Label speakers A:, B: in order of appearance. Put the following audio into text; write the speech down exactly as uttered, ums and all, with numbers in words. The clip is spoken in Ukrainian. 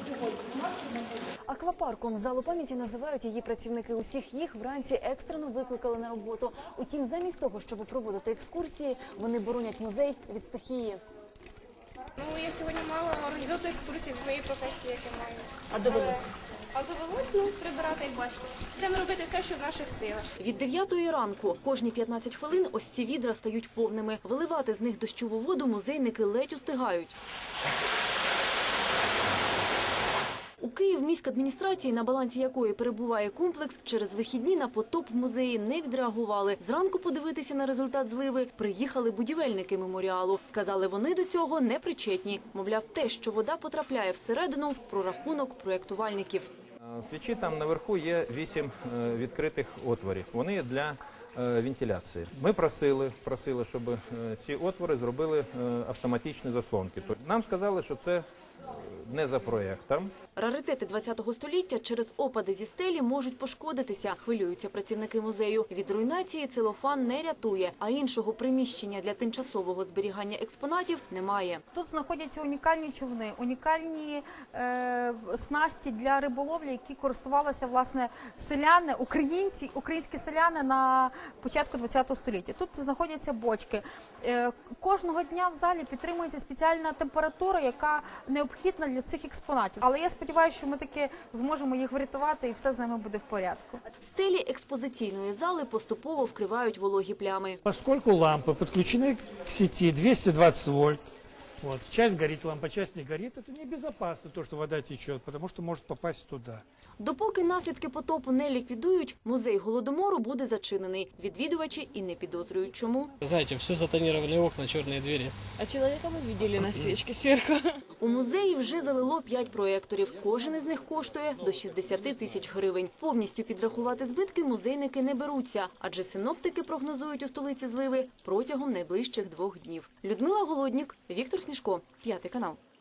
A: Аквапарком залу пам'яті називають її працівники. Усіх їх вранці екстрено викликали на роботу. Утім, замість того, щоб проводити екскурсії, вони боронять музей від стихії.
B: Ну, я сьогодні мала організувати екскурсії з своєї професії, яку маю.
A: А довелося?
B: А довелось, ну, прибирати, як бачите. Будемо робити все, що в наших силах.
A: Від дев'ятої ранку кожні п'ятнадцять хвилин ось ці відра стають повними. Виливати з них дощову воду музейники ледь устигають. У Київміськадміністрації, на балансі якої перебуває комплекс, через вихідні на потоп в музеї не відреагували. Зранку подивитися на результат зливи приїхали будівельники меморіалу. Сказали, вони до цього не причетні. Мовляв, те, що вода потрапляє всередину, прорахунок проєктувальників.
C: В печі там наверху є вісім відкритих отворів. Вони для вентиляції. Ми просили, просили, щоб ці отвори зробили автоматичні заслонки. Нам сказали, що це не за проєктом.
A: Раритети ХХ століття через опади зі стелі можуть пошкодитися, хвилюються працівники музею. Від руйнації целофан не рятує, а іншого приміщення для тимчасового зберігання експонатів немає.
D: Тут знаходяться унікальні човни, унікальні е, снасті для риболовлі, які користувалися, власне, селяни, українці, українські селяни на початку ХХ століття. Тут знаходяться бочки. Е, кожного дня в залі підтримується спеціальна температура, яка необхідна для цих експонатів. Але я сподіваюся, що ми таки зможемо їх врятувати і все з ними буде в порядку.
A: Стелі експозиційної зали поступово вкривають вологі плями.
E: Поскольку лампы подключены к сети двести двадцать вольт, вот, часть горит лампа, часть не горит, это небезопасно, то, что вода течет, потому что может попасть туда.
A: Допоки наслідки потопу не ліквідують, музей Голодомору буде зачинений. Відвідувачі і не підозрюють чому.
F: Знаете, все затонировали окна, черные двери.
B: А чоловіка ми бачили на свічці сверху.
A: У музеї вже залило п'ять проєкторів. Кожен із них коштує до шістдесят тисяч гривень. Повністю підрахувати збитки музейники не беруться, адже синоптики прогнозують у столиці зливи протягом найближчих двох днів. Людмила Голоднік, Віктор Сніжко, П'ятий канал.